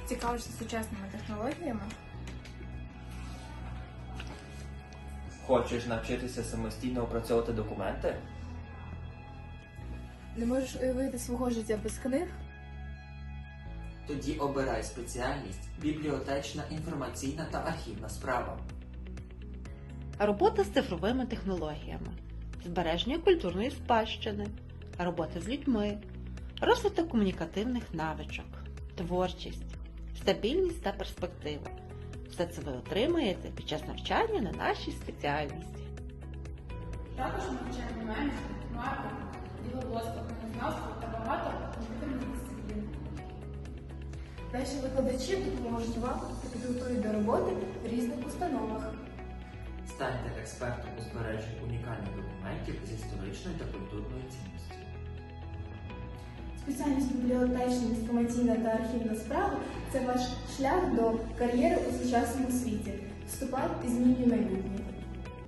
Цікавишся сучасними технологіями? Хочеш навчитися самостійно опрацьовувати документи? Не можеш уявити свого життя без книг? Тоді обирай спеціальність бібліотечна, інформаційна та архівна справа. Робота з цифровими технологіями, збереження культурної спадщини, робота з людьми, розвиток комунікативних навичок, творчість, стабільність та перспектива. Все це ви отримаєте під час навчання на нашій спеціальності. Також ми вчимо менеджмент, маркетинг, діловодство, книгознавство та багато комп'ютерних дисциплін. Наші викладачі допоможуть вам та підготують до роботи в різних установах. Станьте експертом у збереженні унікальних документів з історичною та культурною цінністю. Спеціальність бібліотечна, інформаційна та архівна справа – це ваш шлях до кар'єри у сучасному світі. Вступай і змінюй майбутнє.